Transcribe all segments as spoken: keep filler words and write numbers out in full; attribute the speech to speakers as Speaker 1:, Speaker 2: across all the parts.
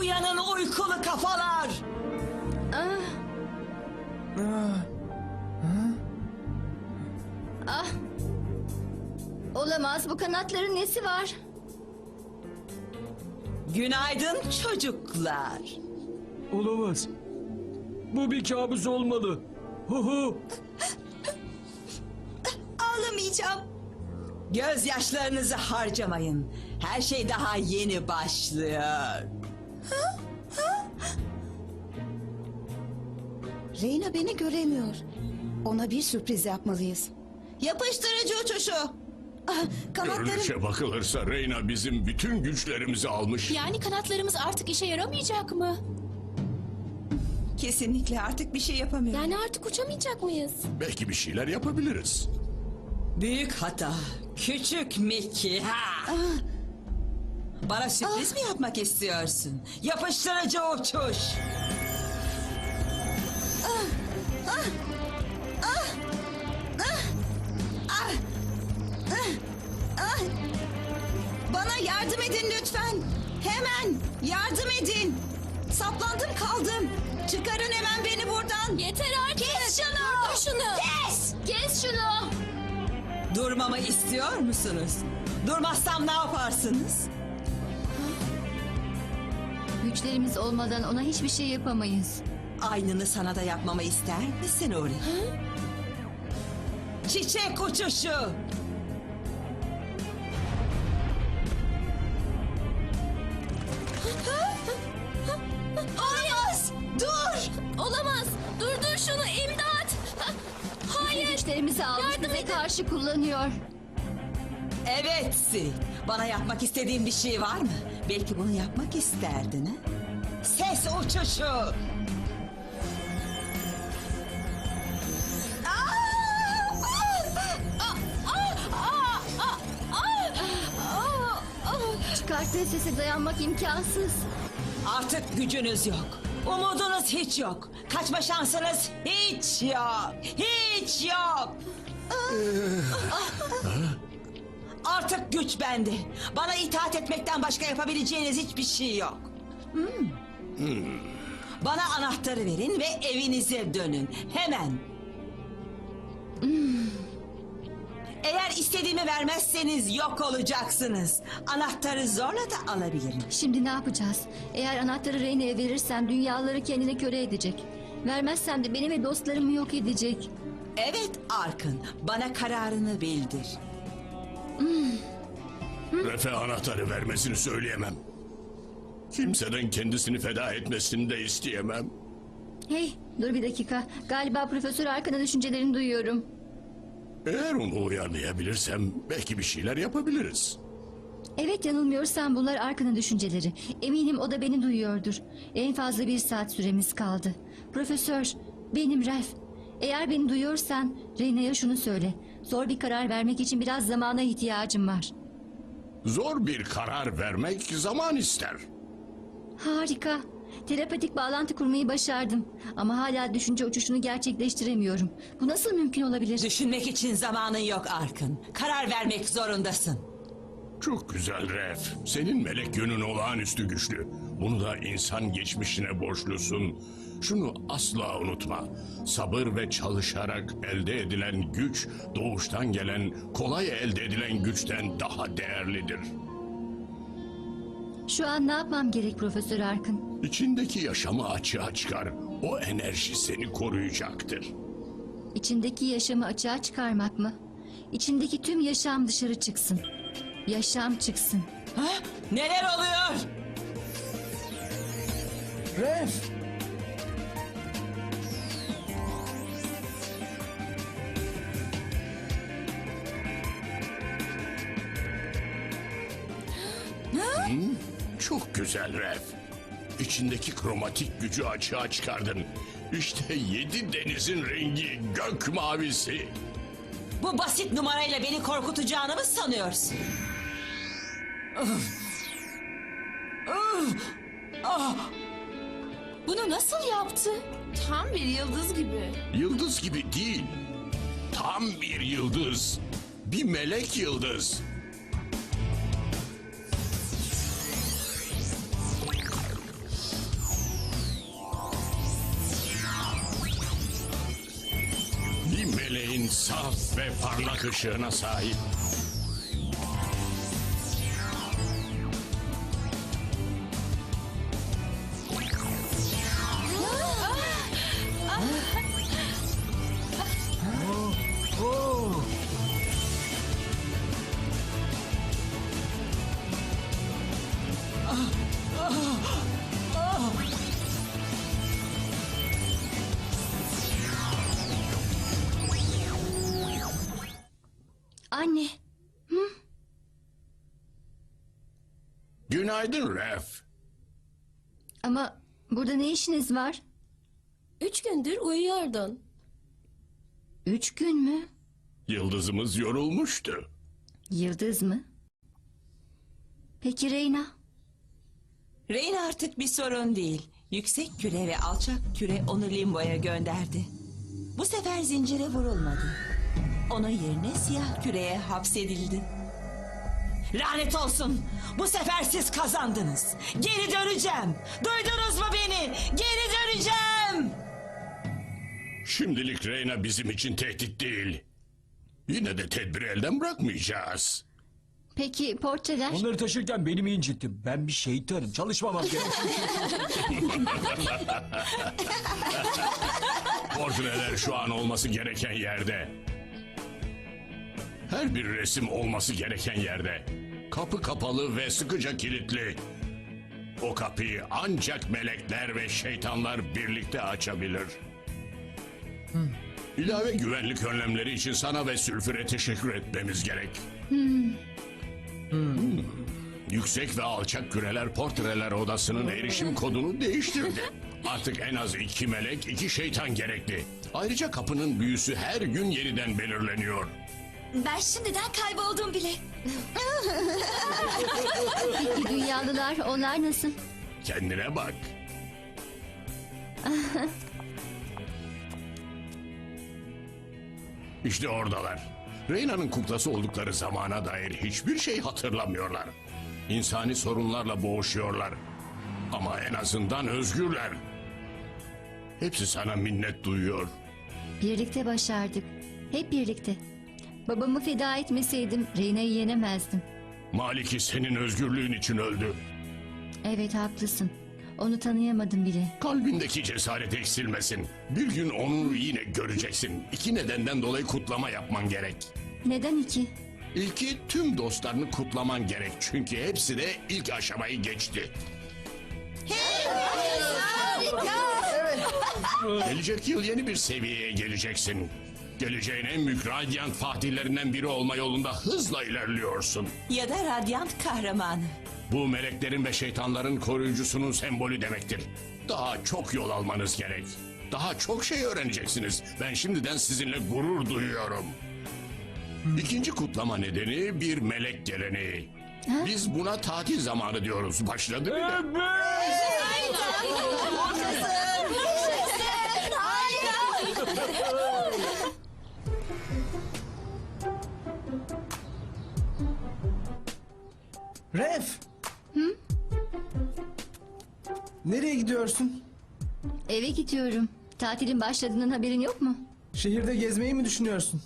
Speaker 1: Uyanın uykulu kafalar.
Speaker 2: Ah. Ah. Olamaz, bu kanatların nesi var?
Speaker 1: Günaydın çocuklar.
Speaker 3: Olamaz. Bu bir kabus olmalı. Hu hu.
Speaker 1: Ağlamayacağım. Gözyaşlarınızı harcamayın. Her şey daha yeni başlıyor.
Speaker 4: Reyna beni göremiyor. Ona bir sürpriz yapmalıyız. Yapıştırıcı uçuşu. Ah, kanatlarım.
Speaker 5: Görünüşe bakılırsa Reyna bizim bütün güçlerimizi almış.
Speaker 6: Yani kanatlarımız artık işe yaramayacak mı?
Speaker 1: Kesinlikle artık bir şey yapamıyorum.
Speaker 6: Yani artık uçamayacak mıyız?
Speaker 5: Belki bir şeyler yapabiliriz.
Speaker 1: Büyük hata. Küçük Mickey. Ha. Bana sürpriz mi yapmak istiyorsun? Yapıştırıcı uçuş.
Speaker 4: Bana yardım edin lütfen. Hemen yardım edin. Saplandım kaldım. Çıkarın hemen beni buradan.
Speaker 6: Yeter artık.
Speaker 4: Kes şunu.
Speaker 6: Durdur şunu.
Speaker 4: Kes.
Speaker 6: Kes şunu.
Speaker 1: Durmamı istiyor musunuz? Durmazsam ne yaparsınız?
Speaker 2: Güçlerimiz olmadan ona hiçbir şey yapamayız.
Speaker 1: Aynını sana da yapmamı ister misin Uri? Çiçek uçuşu.
Speaker 6: Olamaz. Dur. Olamaz. Durdur şunu. İmdat. Hayır.
Speaker 2: Güçlerimizi almış,
Speaker 6: Yardım
Speaker 2: bize
Speaker 6: edin.
Speaker 2: karşı kullanıyor.
Speaker 1: Evet Sid. Bana yapmak istediğin bir şey var mı? Belki bunu yapmak isterdin ha? Ses uçuşu.
Speaker 2: Çıkarttığı sese dayanmak imkansız.
Speaker 1: Artık gücünüz yok. Umudunuz hiç yok. Kaçma şansınız hiç yok. Hiç yok. Artık güç bende. Bana itaat etmekten başka yapabileceğiniz hiçbir şey yok. Hmm. Bana anahtarı verin ve evinize dönün. Hemen. Eğer istediğimi vermezseniz yok olacaksınız. Anahtarı zorla da alabilirim.
Speaker 2: Şimdi ne yapacağız? Eğer anahtarı Reyna'ya verirsem dünyaları kendine köle edecek. Vermezsem de beni ve dostlarımı yok edecek.
Speaker 1: Evet Arkın, bana kararını bildir.
Speaker 5: Refe anahtarı vermesini söyleyemem. Kimseden kendisini feda etmesini de isteyemem.
Speaker 2: Hey, dur bir dakika. Galiba Profesör Arkan'ın düşüncelerini duyuyorum.
Speaker 5: Eğer onu uyarlayabilirsem belki bir şeyler yapabiliriz.
Speaker 2: Evet, yanılmıyorsam bunlar Arkan'ın düşünceleri. Eminim o da beni duyuyordur. En fazla bir saat süremiz kaldı. Profesör, benim Ralph. Eğer beni duyuyorsan Reyna'ya şunu söyle. Zor bir karar vermek için biraz zamana ihtiyacım var.
Speaker 5: Zor bir karar vermek zaman ister.
Speaker 2: Harika. Telepatik bağlantı kurmayı başardım. Ama hala düşünce uçuşunu gerçekleştiremiyorum. Bu nasıl mümkün olabilir?
Speaker 1: Düşünmek için zamanın yok Arkın. Karar vermek zorundasın.
Speaker 5: Çok güzel Ref. Senin melek yönün olağanüstü güçlü. Bunu da insan geçmişine borçlusun. Şunu asla unutma. Sabır ve çalışarak elde edilen güç, doğuştan gelen, kolay elde edilen güçten daha değerlidir.
Speaker 2: Şu an ne yapmam gerek Profesör Arkın?
Speaker 5: İçindeki yaşamı açığa çıkar. O enerji seni koruyacaktır.
Speaker 2: İçindeki yaşamı açığa çıkarmak mı? İçindeki tüm yaşam dışarı çıksın. Yaşam çıksın.
Speaker 1: Ha? Neler oluyor?
Speaker 3: Ref.
Speaker 5: Çok güzel Ref. İçindeki kromatik gücü açığa çıkardın. İşte yedi denizin rengi gök mavisi.
Speaker 1: Bu basit numarayla beni korkutacağını mı sanıyorsun?
Speaker 6: Bunu nasıl yaptı? Tam bir yıldız gibi.
Speaker 5: Yıldız gibi değil. Tam bir yıldız. Bir melek yıldız. Güneşin saf ve parlak ışığına sahip.
Speaker 2: Anne,
Speaker 5: Günaydın Ref.
Speaker 2: ama burada ne işiniz var?
Speaker 6: Üç gündür uyuyordun.
Speaker 2: Üç gün mü?
Speaker 5: Yıldızımız yorulmuştu.
Speaker 2: Yıldız mı? Peki Reyna?
Speaker 1: Reyna artık bir sorun değil. Yüksek küre ve alçak küre onu limboya gönderdi. Bu sefer zincire vurulmadı. Onun yerine siyah küreye hapsedildi. Lanet olsun. Bu sefer siz kazandınız. Geri döneceğim. Duydunuz mu beni? Geri döneceğim.
Speaker 5: Şimdilik Reyna bizim için tehdit değil. Yine de tedbiri elden bırakmayacağız.
Speaker 2: Peki portreler?
Speaker 3: Onları taşırken beni mi incittin? Ben bir şeytanım. Çalışmamam gerek.
Speaker 5: Portreler şu an olması gereken yerde. Her bir resim olması gereken yerde. Kapı kapalı ve sıkıca kilitli. O kapıyı ancak melekler ve şeytanlar birlikte açabilir. İlave güvenlik önlemleri için sana ve Sülfür'e teşekkür etmemiz gerek. Hmm. Yüksek ve alçak küreler portreler odasının erişim kodunu değiştirdi. Artık en az iki melek, iki şeytan gerekli. Ayrıca kapının büyüsü her gün yeniden belirleniyor.
Speaker 2: Ben şimdiden kayboldum bile. Peki dünyalılar, onlar nasıl?
Speaker 5: Kendine bak. İşte oradalar. Reyna'nın kuklası oldukları zamana dair hiçbir şey hatırlamıyorlar. İnsani sorunlarla boğuşuyorlar. Ama en azından özgürler. Hepsi sana minnet duyuyor.
Speaker 2: Birlikte başardık. Hep birlikte. Babamı feda etmeseydim Reyna'yı yenemezdim.
Speaker 5: Maliki senin özgürlüğün için öldü.
Speaker 2: Evet, haklısın. Onu tanıyamadım bile.
Speaker 5: Kalbindeki cesaret eksilmesin. Bir gün onu yine göreceksin. İki nedenden dolayı kutlama yapman gerek.
Speaker 2: Neden iki?
Speaker 5: İlki, tüm dostlarını kutlaman gerek. Çünkü hepsi de ilk aşamayı geçti. Gelecek yıl yeni bir seviyeye geleceksin. Geleceğin en büyük radyant fatihlerinden biri olma yolunda hızla ilerliyorsun.
Speaker 1: Ya da radyant kahramanı.
Speaker 5: Bu meleklerin ve şeytanların koruyucusunun sembolü demektir. Daha çok yol almanız gerek. Daha çok şey öğreneceksiniz. Ben şimdiden sizinle gurur duyuyorum. İkinci kutlama nedeni bir melek geleneği. Biz buna tatil zamanı diyoruz. Başladı mı?
Speaker 7: Ref! Nereye gidiyorsun?
Speaker 2: Eve gidiyorum. Tatilin başladığından haberin yok mu?
Speaker 7: Şehirde gezmeyi mi düşünüyorsun?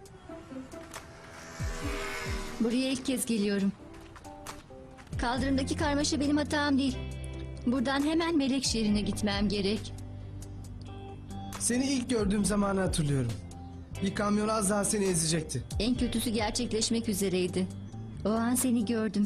Speaker 2: Buraya ilk kez geliyorum. Kaldırımdaki karmaşa benim hatam değil. Buradan hemen Melek şehrine gitmem gerek.
Speaker 7: Seni ilk gördüğüm zamanı hatırlıyorum. Bir kamyon az daha seni ezecekti.
Speaker 2: En kötüsü gerçekleşmek üzereydi. O an seni gördüm.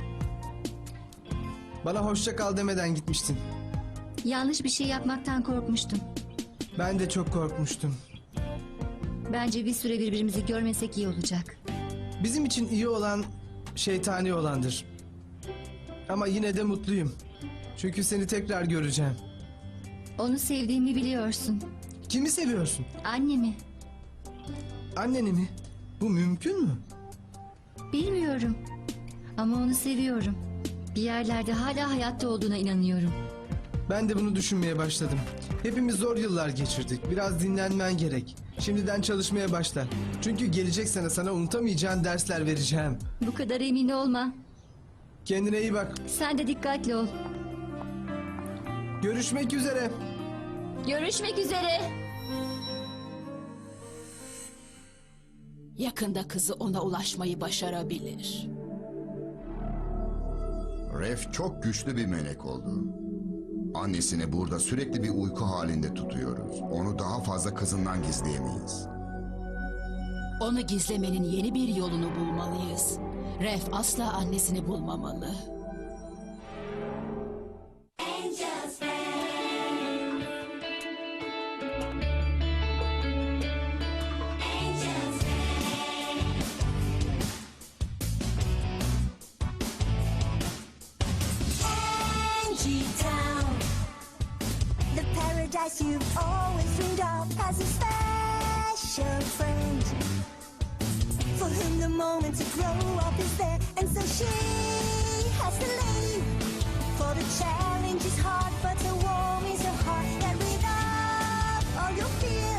Speaker 7: Bana hoşça kal demeden gitmiştin.
Speaker 2: Yanlış bir şey yapmaktan korkmuştum.
Speaker 7: Ben de çok korkmuştum.
Speaker 2: Bence bir süre birbirimizi görmesek iyi olacak.
Speaker 7: Bizim için iyi olan şeytani olandır. Ama yine de mutluyum. Çünkü seni tekrar göreceğim.
Speaker 2: Onu sevdiğimi biliyorsun.
Speaker 7: Kimi seviyorsun?
Speaker 2: Annemi.
Speaker 7: Anneni mi? Bu mümkün mü?
Speaker 2: Bilmiyorum. Ama onu seviyorum. Bir yerlerde hala hayatta olduğuna inanıyorum.
Speaker 7: Ben de bunu düşünmeye başladım. Hepimiz zor yıllar geçirdik. Biraz dinlenmen gerek. Şimdiden çalışmaya başla. Çünkü gelecek sene sana unutamayacağın dersler vereceğim.
Speaker 2: Bu kadar emin olma.
Speaker 7: Kendine iyi bak.
Speaker 2: Sen de dikkatli ol.
Speaker 7: Görüşmek üzere.
Speaker 2: Görüşmek üzere.
Speaker 8: Yakında kızı ona ulaşmayı başarabilir.
Speaker 9: Ref çok güçlü bir melek oldu. Annesini burada sürekli bir uyku halinde tutuyoruz. Onu daha fazla kızından gizleyemeyiz.
Speaker 8: Onu gizlemenin yeni bir yolunu bulmalıyız. Ref asla annesini bulmamalı.
Speaker 10: Angie Town, the paradise you've always dreamed of, has a special friend for whom the moment to grow up is there, and so she has to leave. For the challenge is hard, but the warm is her heart, and rid of all your fears.